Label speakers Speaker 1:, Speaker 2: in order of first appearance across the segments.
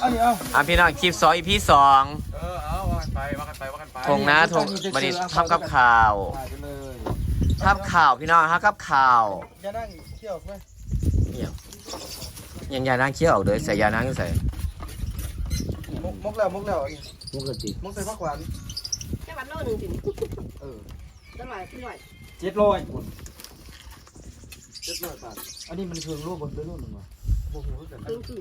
Speaker 1: อันนี้เอา
Speaker 2: พี่น้องคลิป2 EP 2
Speaker 3: เอาว่ากันไป
Speaker 2: ทงนะทงบันนี้ทำกับข่าวทำข่าวพี่น้องฮะกับข่าว
Speaker 1: อย่านั่งเที่ยวไหม
Speaker 2: ยังยานั่งเคี้ยวออกเลยใส่ยานั่งใส่
Speaker 1: มกแล้ว
Speaker 2: มุกกะติ
Speaker 1: มกใส่ผักหวาน
Speaker 4: แค่วันโลนึงสิอร่อย
Speaker 1: 700คน700 บาทอันนี้มันเชิงรูปบนด้วยรูปหนึ่งวะโอ้โหแต่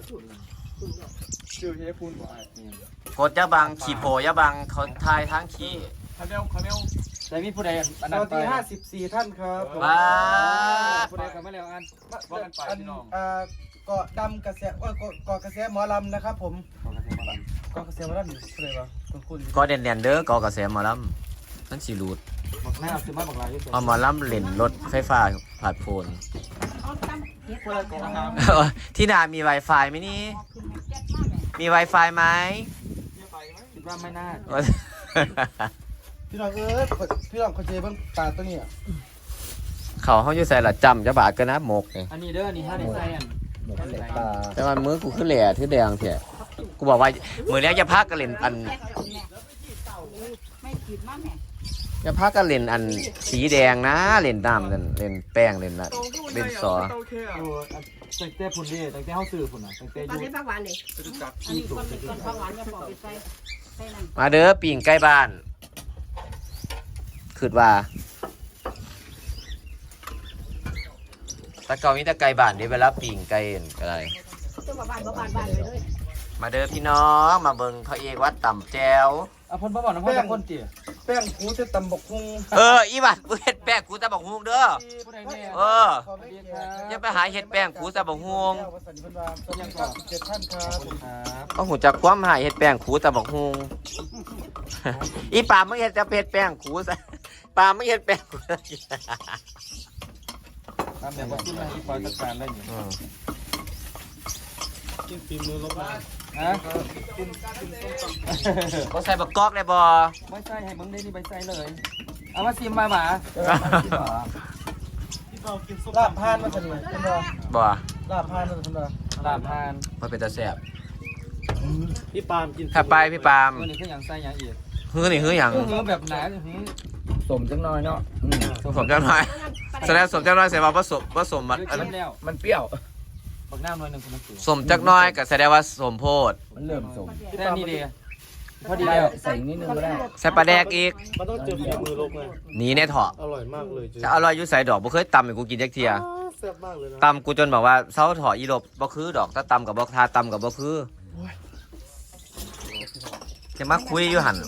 Speaker 1: ชื่อเฮฟูนบ่ไอ้
Speaker 2: โคตรยะบังขี่โพยะบังเขาทายทั้งขี้
Speaker 3: คาเนล
Speaker 1: แต่มีผู้ใดอันนั้นไป54 ท่านครับ
Speaker 2: ว้า
Speaker 1: ผู้ใดกันมาแล้วอัน
Speaker 3: ว่ากันไปพี่น้อง
Speaker 1: เกาะดำกระแสเกาะกระแสหมอลำนะครับผมเกาะกระแสหมอลำผู้ใดวะคุณ
Speaker 2: ก็เด่นๆเด้อก็กระแสหมอลำนั่นสิรูด
Speaker 1: บอกหน้าซื้อมาบอกลาย
Speaker 2: เอาหมอลำเล่นรถไฟฟ้าผ่านโพน
Speaker 4: เอาตั้มเฮ็ด
Speaker 1: คนละกองน้ำ
Speaker 2: ที่นามี Wi-Fi ไหมนี่มี Wi-Fi ไหม
Speaker 1: คิดว่าไม่น่า
Speaker 2: เออ
Speaker 1: พี่น้องพี่น้องเขาเจเบิ้งปลาตัวนี้
Speaker 2: เขาอยู่ใส่ละจำจะบาดกันนะหมกเนี่ย
Speaker 1: อันนี้เด้อนี่ถ้าได้ใส่อันปลา
Speaker 2: แต่ว่ามือกูขึ้นแหล่ที่แดงเถอะกูบอกว่ามือนี้จะพักกันเล่นอัน
Speaker 4: ไม่ขีดมากแม่
Speaker 2: จะพักกันเล่นอันสีแดงนะเล่นน้ำเล่นแป้งเล่นนะเล่นซอ
Speaker 1: อยู่ตั้งแต่พุ่นนี่ตั้งแต่เฮาซื้อพุ่นน่ะตั้งแต่
Speaker 4: ตอน
Speaker 1: อยู่
Speaker 4: นี้ผักหวานเลยอันนี้คนผักหวานจะปอกไปใส่นั่น
Speaker 2: มาเด้อปิ่งใกล้บ้านคืดว่าตะเกามีแต่ไก่บ้านเดี๋ยวเวลาปิ่งไก่อะไร
Speaker 4: ตัวบ้านไปเลย
Speaker 2: มาเด้อพี่น้องมาเบิ่งเขาเอกวัดต่ำแจว
Speaker 1: อ่ะพ่นบ่บอกนะพ่นจะพ่นติแป้งกูจะตำบกฮุง
Speaker 2: อีบัดกูเฮ็ดแป้งกูตะบักฮวงเด้อ
Speaker 1: ผู้ใดแน่
Speaker 2: อย่าไปหาเฮ็ดแป้งกูตะบักฮวง
Speaker 1: ยังก็7ท่านครับครับ
Speaker 2: ก็หูจักความหายเฮ็ดแป้งกูตะบักฮวงอีปามมึงเฮ็ดจะเฮ็ดแป้งกูซะปามมึงเฮ็ดแป้งกูซะ
Speaker 1: ทำแบบว่าขึ้นมาอีกปล่อยจัดการได้อยู่กินฝีมือลบมาฮะ
Speaker 2: บ่ใส่บักกอกได้บ่
Speaker 1: ไม่ใช่ให้มึงได้นี่ใบใส่เลยเอามาซิมมาหมาลาบพานมาสนิทคุณดอ
Speaker 2: บ่
Speaker 1: ลาบพานมาคุณดอลาบพาน
Speaker 2: มันเป็นตาแซ่บ
Speaker 1: พี่ปามกิน
Speaker 2: ถ้าไปพี่ปาม
Speaker 1: ตัวนี้คืออย่างไส้อย่างอีก
Speaker 2: ฮื้อนี่ฮื้อหยัง
Speaker 1: คือแบบหนาสมจังน้อยเนาะ
Speaker 2: สมจังน้อยแสดงสมจังน้อยแสดงว่าผสมมัน
Speaker 1: แล้ว
Speaker 2: มันเปรี้ยว
Speaker 1: บักน้ำน้อยหนึ่งคุณสู
Speaker 2: สมจักน้อยก็แสดงว่าสมโพด
Speaker 1: มันเริ่มสมแค่นี้ดีพอดีแล้วใส่นิดนึงก็ได้
Speaker 2: ใส่ปลาแดกอีก
Speaker 1: มันต้องเจอฝีมือลบไง
Speaker 2: หนีในเถาะ
Speaker 1: อร่อยมากเลย
Speaker 2: จะอร่อยอยู่ใส่ดอกบ่เคยตำให้กูกินจักเที่ย
Speaker 1: แซ่บมากเลยนะ
Speaker 2: ตำกูจนบอกว่าเซาเถาะอีลบบ่คือดอกถ้าตำกับบ่ทาตำกับบ่คือจะมาคุยอยู่หั่น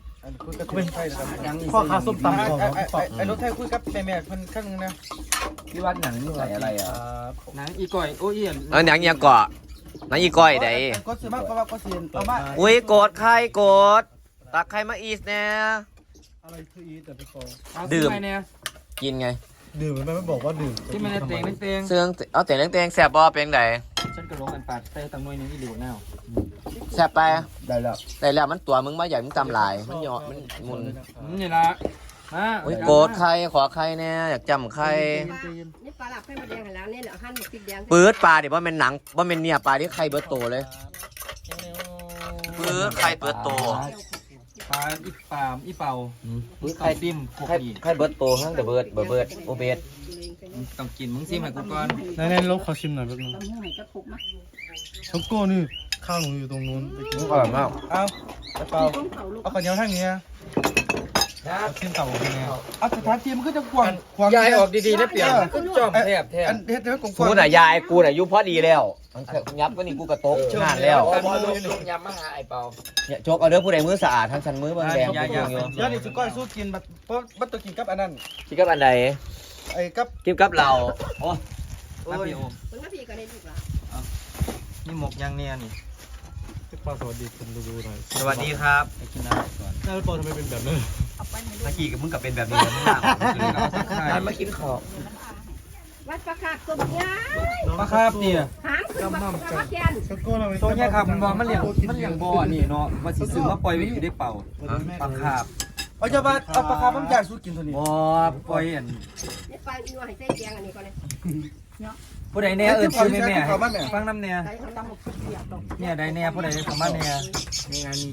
Speaker 1: พ่อค้าส้มตำไอ้รถไทยคุยกับแม่เพิ่นข้างนึงนะ
Speaker 5: พี่วัดหนังนี่ใส่อะไรอ่ะ
Speaker 1: หนังอีก่อยโอ้ย
Speaker 2: หนังยังเกาะหนังอีก้อยใด
Speaker 1: ก็ซื้อมาเพราะว่าก็ซื้อเอามา
Speaker 2: อุ้ยโกดใครโกดตักใครมาอีสแน่
Speaker 1: อะไรคืออีแต่ไปขอ
Speaker 2: ดื่มกินไง
Speaker 1: ดื่มมันไม่บอกว่าดื่มที่มันเต็งเต็ง
Speaker 2: เสื่องเอาแต่เต็งแซ่บบ่เป็นได
Speaker 1: ฉันก็ลงอันปาดใส่ตังมวยนึงอีหลิวแนว
Speaker 2: แซ่บไป
Speaker 1: ได้แล้ว
Speaker 2: แต่แล้วมันตัวมึงมาใหญ่มึงตำหลายมันเหยาะมันมุน
Speaker 1: นี่ละมา
Speaker 2: อุ้ยโกดใครขอใครแน่อยากจำใคร
Speaker 4: นี่ปลาหลับให้มาแดงแล้วนี่เหลือหั่นพริกแดง
Speaker 2: ปื๊ดปลาดิว่าเป็นหนังว่าเป็นเนี่ยปลาที่ใครเบิร์ตโตเลยปื๊ดใครเบิร์ตโต
Speaker 1: ปลาอีปามอีเป่าใครติ้มพวกนี้
Speaker 2: ใครเบิร์ตโตทั้งแต่เบิร์ดโอเบิร์ด
Speaker 1: ต้องกินมึงซิมให้กูก่อน
Speaker 6: ในลบขอชิมหน่อยแป๊บนึง
Speaker 4: ตำหูให้กระปุกมา
Speaker 6: ช็อกโก้นี่ข้าวหนูอยู่ตรงนู้นไปกิน
Speaker 2: อร่อยมาก
Speaker 1: เอาเป่า
Speaker 4: ต้มเขาลูก
Speaker 1: เอาข้าวเหนียวทางนี้
Speaker 6: กินเต่าเป็นไง
Speaker 1: เอาสถานที่มันก็จะกว้าง
Speaker 5: ยายออกดีๆนะเปลี่ยนขึ้นจอมแทบ
Speaker 1: อันเฮ็ดให้กว้าง
Speaker 2: กูน่ะยายกูน่ะยุพอดีแล้วมันยับก็นี่กูกระตกงานแล้ว
Speaker 5: บอลลูนยำมาหาไอ้เปา
Speaker 2: เนี่ยโจกเอาเด้อผู้ใดมือสะอาดทั้งชั้นมือบางแดง
Speaker 1: ยา
Speaker 2: กูอยู่
Speaker 1: ยานี่สิก้อยสู้กินบัดเพราะบัดตัวกินกับอันนั้น
Speaker 2: คิดกับอันใด
Speaker 1: ไอ้กับ
Speaker 2: คิดกับเราโอ้
Speaker 1: มาพี่โอ
Speaker 4: มันก็พี่ก็ได้ลูกละ
Speaker 1: นี่หมกยางเนียนี่
Speaker 6: พี่ปาสวัสดีคุณดูหน่อย
Speaker 2: สวัสดีครับ
Speaker 1: ไปกินอะไรก่อน
Speaker 6: หน้าพี่ปาทำไมเป็นแบบนั้น
Speaker 4: เอาไปมา
Speaker 2: เมื่อกี้กับมึงกับเป็นแบบนี้มึงหนัก
Speaker 5: ร้านมากินข้าว
Speaker 4: วัดปลาคาบตัวใหญ่
Speaker 1: ปลาคาบเนี่ย
Speaker 4: หางคือปลาแกน
Speaker 6: ช็อกโก้ทำไม
Speaker 1: ตัวเนี้ยครับมันบอกมันเลี้ยงบ่อนี่เนาะว่าสิซื้อมาปล่อยไว้อยู่ได้เป่าปลาคาบเอาจะว่าเอาปลาคาบมันอยากสู้กินตัวนี้บ่ปล่อยอัน
Speaker 4: นี่ปลาอีนัวให้ใส่แกงอันนี้ก่อนเลย
Speaker 5: ผู้ใดเนี่ยชื่อแม่แม่
Speaker 1: เขามาแม่
Speaker 5: ฟังน้ำเนี่ย
Speaker 4: ใส่เขาตำหมกเปียกดอก
Speaker 5: เนี่ยใดเนี่ยผู้ใดสามารถเนี่ยในงานนี้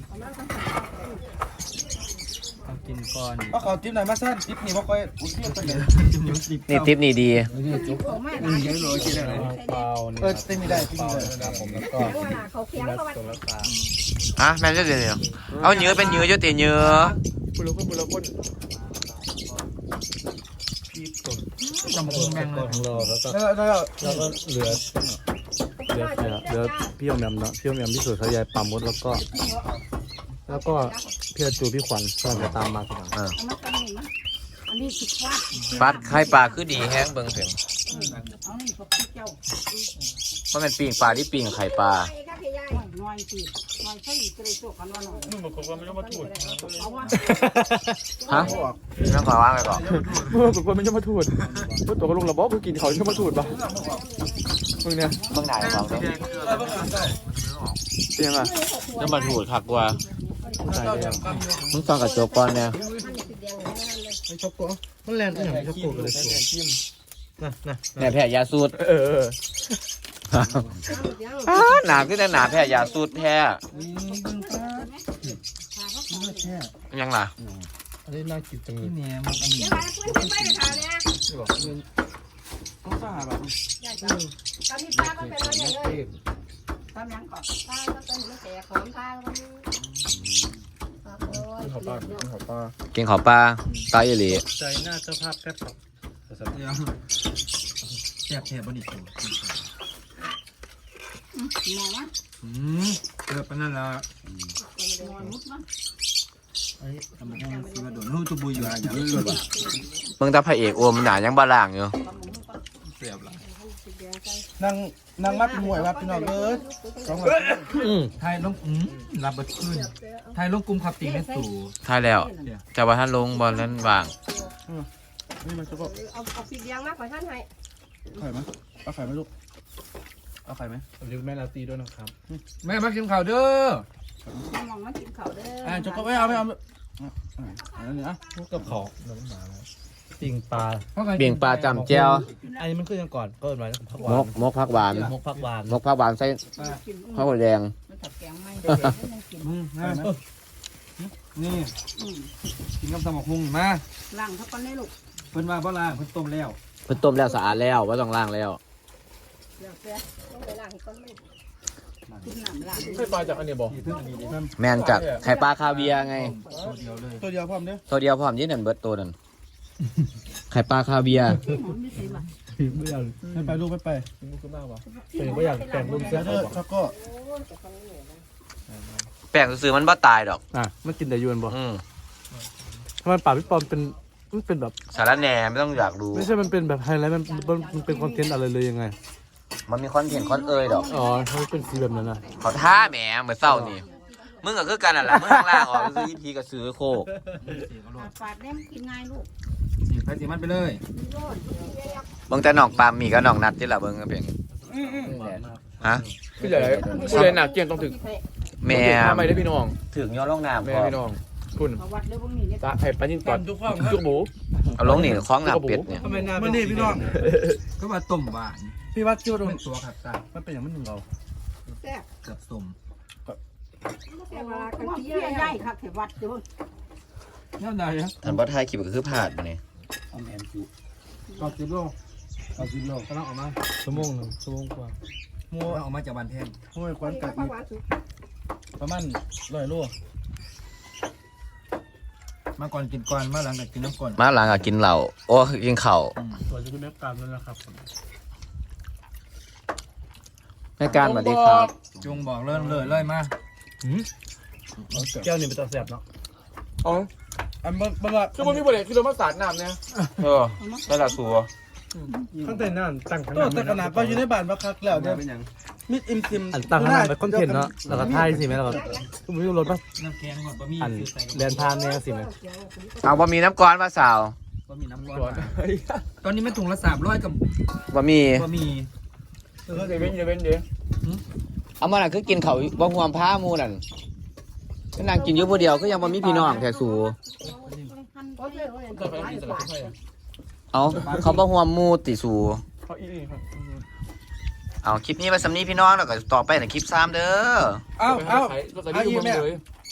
Speaker 5: ต้องกินก่อน
Speaker 1: เอาเขาติ๊บไหนมาสั้นติ๊บนี่บ่ค่อยอุ้ยเทียบไปเลย
Speaker 2: นี่ทิปนี่ดี
Speaker 4: เขาไม่ร้าน
Speaker 5: เยอะเลยกินอะไร
Speaker 6: เปล่านี่
Speaker 1: ติ๊บนี่ได้ติ๊บนี่ได้
Speaker 6: ครับผมแล้วก็
Speaker 4: เขาเคียงเขาว่า
Speaker 6: ตัวละสาม
Speaker 2: อ่ะแม่นจะเดี๋ยวเอาเนื้อเป็นเนื้อจะตีเนื้อ
Speaker 3: บุรุษบุรุษ
Speaker 6: พี่ตุ่น
Speaker 5: จำเป็นแม่งเล
Speaker 6: ก็
Speaker 5: ย
Speaker 6: ของเราแล้วก็
Speaker 1: แล้ว
Speaker 6: แล้วก็เหลือพี่อมแอมเนาะพี่อมแอมพี่สุดสายายปามดแล้วก็พี่อาจูพี่ขวัญก็จะตามมาทีหลัง
Speaker 2: เออ
Speaker 4: เอามาตำหนิมั้ยอันนี้คิดว่า
Speaker 2: ปัดไข่ปลาคือดีแห้งเบิ่งเพียง
Speaker 4: เอานี่พวกเจ้า
Speaker 2: เพราะมันปิ้งปลาที่ปิ้งไข่ปลา
Speaker 4: น้อยสิน้อยใช่จะได้โชคกันว่าน้อย
Speaker 3: มึงบอกว่าไม่ต้องมาถูด
Speaker 4: เอาว่า
Speaker 2: ฮะน้องขอว่างไปก่อน
Speaker 3: เมื่อบอกว่าไม่ต้องมาถูดเมื่อตัวก็ลงระบบกูกินเขาจะมาถูดป่ะมึงเนี่ย
Speaker 2: เบิ่งไหนบอกเลย
Speaker 3: เตียงอ่ะ
Speaker 2: น้ำมันหูดคักกว่ามึงฟังกับโจกก่อนเนี่ย
Speaker 6: ไอ้ช็อกโกมันแลนด์อย่างช็อกโกเลยนะนะ
Speaker 2: แม่แพ้ยาสูตร
Speaker 3: เออ
Speaker 2: หนาขึ้นแต่หนาแพ้ยาสูตรแพ้ยังล่ะ
Speaker 6: อันนี้น่ากินจังเลย
Speaker 5: เนี่ยมันอันนี้
Speaker 1: เขาสาแบบ
Speaker 4: ตอนนี้ป้าก็เป็นอะไรเลยตอนยังก่อนป้าก็เป็นไม่แก่ของป้าก็
Speaker 6: ขอปลาขอปลา
Speaker 2: กินขอปลาตายอีหลี
Speaker 6: ใจหน้าเจ้าภาพแป๊บครับ
Speaker 5: แซ่บแซ่บบนิสุ
Speaker 4: มองว่า
Speaker 5: เกือบปนั่นละ
Speaker 4: มองมุดมั้ง
Speaker 5: ทำไมต้องซื้อมาโดนนู่นตัวบุยอยู่อะไรอย่างนี้เลย
Speaker 2: เบิ่งตาพระเอกโอมหนายังบาล่างอยู่
Speaker 5: เสียบละ
Speaker 1: นางมัดมวยครับพี่น้องเอ้ยสองวัน
Speaker 5: ไทยลงรับบัตรขึ้นไทยลงกลุ่มขับตีแม่ตู่
Speaker 2: ท้ายแล้วจะว่าท่านลงบอลนั้นวาง
Speaker 1: นี่มันจะก็
Speaker 4: เอาปีเดียงมากกว่าท่านให้
Speaker 1: ไข่ไหมเอาไข่ไหมลูกเอาไข่ไหม
Speaker 6: เรียกแม่ลาตีด้วยนะครับ
Speaker 5: แม่มากินข้าวเด้อ
Speaker 4: มองมากินเขาเด้อ
Speaker 1: จะก็ไม่เอาอันนี้นะ
Speaker 6: พวกกับเขาน้องหมาแล้วปิงปลา
Speaker 2: เบี่ยงปลาจำแจ้ว
Speaker 6: อันนี้มันขึ้นยังก่อนก็เป็นไรผักหวาน
Speaker 2: มกผักหวาน
Speaker 6: มกผักหวาน
Speaker 2: มกผักหวานใส่ข้าวแดง
Speaker 4: มันถัดแกงไม่ได้ยังกิน
Speaker 5: นี่กินกับตำบักหุ่งมา
Speaker 4: ล้างเขาก่อนได้ลูก
Speaker 5: เพิ่นว่าบ่ล่างเพิ่นต้มแล้ว
Speaker 2: เพิ่นต้มแล้วสะอาดแล้วว่าต้องล้างแล้ว
Speaker 4: เดี๋ยวเสียต้องไปล้างก่อนไม่กินน้ำล้าง
Speaker 3: ให้ปลาจากอันนี้บอก
Speaker 5: เพิ่นอันนี้ดิ
Speaker 2: แมนจากไข่ปลาคาเวียร์ไง
Speaker 5: ตัวเดียวเลย
Speaker 1: ตัวเดียวพร้อมเด้อ
Speaker 2: ตัวเดียวพร้อมยืนนั่นเบิดตัวนั่นไข่ปลาคาเวียร์
Speaker 4: ไม่ใช่ว่ะ
Speaker 6: ไม่อยาก
Speaker 1: ไปลูกไป
Speaker 6: มุกขึ้นมากวะเป็นไม่อยากแต่งรูปเสื้อ
Speaker 1: เด้
Speaker 6: เขา
Speaker 1: อ
Speaker 6: บอก
Speaker 1: แล้วก็
Speaker 2: แป้งซื้อๆมันบ่ตายดอก
Speaker 6: อ่ะมันกินแต่ยวนบอก
Speaker 2: อืม
Speaker 6: ทำไมป่าพี่ปอมมันเป็นแบบ
Speaker 2: สารแหน่ไม่ต้องอยากรู้
Speaker 6: ไม่ใช่มันเป็นแบบไฮไลท์มันเป็นคอนเทนต์อะไรเลยยังไง
Speaker 2: มันมีคอนเทนต์คอนเอยดอก
Speaker 6: อ๋อเขาเป็นสีแบบนั้นนะ
Speaker 2: เขาท่าแหมเหมือนเศร้านี่มึงก็คือกันนั่นแหละมึงข้างล่างออกซื้ออีพีกับซื้อโคก
Speaker 4: ปาดเนี่ยกินง่ายลูก
Speaker 5: สีไปสีมันไปเลย
Speaker 2: เบิ่งแต่หนองปลามีกับหนองนัดที่ละเบิ่งก็เป็นฮะ
Speaker 3: พี่ใหญ่พี่ใหญ่หนักเกี่ยงต้องถึง
Speaker 2: แม่
Speaker 3: ทำไมได้พี่น้อง
Speaker 2: ถึงย้อนลงน้ำ
Speaker 3: แม่
Speaker 2: พอ
Speaker 3: พี่น้องคุณ
Speaker 4: มาวัดเรื่องพวกนี้เนี่ย
Speaker 3: ตาไอ้ปลาจินตอดจุกหมู
Speaker 2: เอาลงนี่คล้องน้ำเป็ดเนี่ย
Speaker 1: ทำไมน้ำมันนี่พี่น้อง
Speaker 5: ก็ว่าต้มหวาน
Speaker 1: พี่วัดจิ้วตรง
Speaker 5: เป็นตัวขับตา
Speaker 1: มันเป็นอย่างมันหนึ่งเรา
Speaker 4: แซ่บ
Speaker 5: เกือบส้ม
Speaker 4: แซ่บเวลากันที่ใหญ่ค่ะเขวัดเดี๋ยว
Speaker 5: นั่นได้ฮะ
Speaker 2: ท่านบ่ทายคลิปก็คือพลาดมานี่
Speaker 5: เอาแมนจู
Speaker 1: ก็10 โลก็10 โล
Speaker 5: กำลังออกมา
Speaker 6: ชั่วโมงหนึ่งชั่วโมงกว่า
Speaker 1: มัว
Speaker 5: กำลังออกมาจากบ้านแพง
Speaker 1: มัวควันกัด
Speaker 4: ข้าวหวานสุก
Speaker 1: ประมาณ100 โล
Speaker 5: มาก่อนกินก่อนมาหลังจากกินน้ำก่อน
Speaker 2: มาหลังก็กินเหล้าโอ้กินข้าว
Speaker 6: ตัวจะเป็นแม่การนั่นแหละครับ
Speaker 2: แม่การสวัสดีครับ
Speaker 5: จงบอกเลยมา
Speaker 6: แก้วนี่เป็นตัวแสบเนาะ
Speaker 3: อ๋อ
Speaker 1: อันบังว่า
Speaker 3: คือมันมีประเด็นคือเรามาสาดน้ำเนี่ย
Speaker 2: เออได้ละสัว
Speaker 6: ตั้งแต่นั่นตั้งข
Speaker 1: ตัว
Speaker 6: นาด
Speaker 1: แต่ขนาดว่าอยู่ในบ้านบักคักแล้วเด้อมิดอิมซิม
Speaker 6: อันตั้งขนาดเป็นคอนเทนต์เนาะแล้วก็ถ่ายสิไหมแล้วก็ไม่รู้รถป่ะ
Speaker 5: น้ำแกงก่อนบะหมี่
Speaker 6: อัน
Speaker 5: คือใส่
Speaker 6: แดนทานเนี่ยสิไหม
Speaker 2: เอาบะหมี่น้ำก้อนมาสาว
Speaker 5: บะหมี่น้ำร้อน
Speaker 3: ก่อน
Speaker 5: ตอนนี้ไม่ถุงละ300กับบ
Speaker 2: ะหมี่
Speaker 5: บะหมี่
Speaker 3: เดี๋ยวเว้นเดี๋ยวเว้นเดี๋ยว
Speaker 2: เอามาน่ะคือกินเขาวบ่ห่วงผ้าหมูนั่นก็นั่งกินอยู่ผู้เดียวก็ยังบ่มีพี่น้องแท้สู
Speaker 3: ต่อไปมีสลัดไส้
Speaker 2: เอาเขาบ่ห่วงหมูติสู
Speaker 3: เขาอีนี่ครับ
Speaker 2: เอาคลิปนี้ไว้สำนี้พี่น้องแล้วก็ต่อไปในคลิป3เด้อ
Speaker 1: เอา
Speaker 3: รถไฟ
Speaker 1: เอา
Speaker 3: ที่
Speaker 1: อี
Speaker 3: เมือง
Speaker 1: แม่
Speaker 3: เลย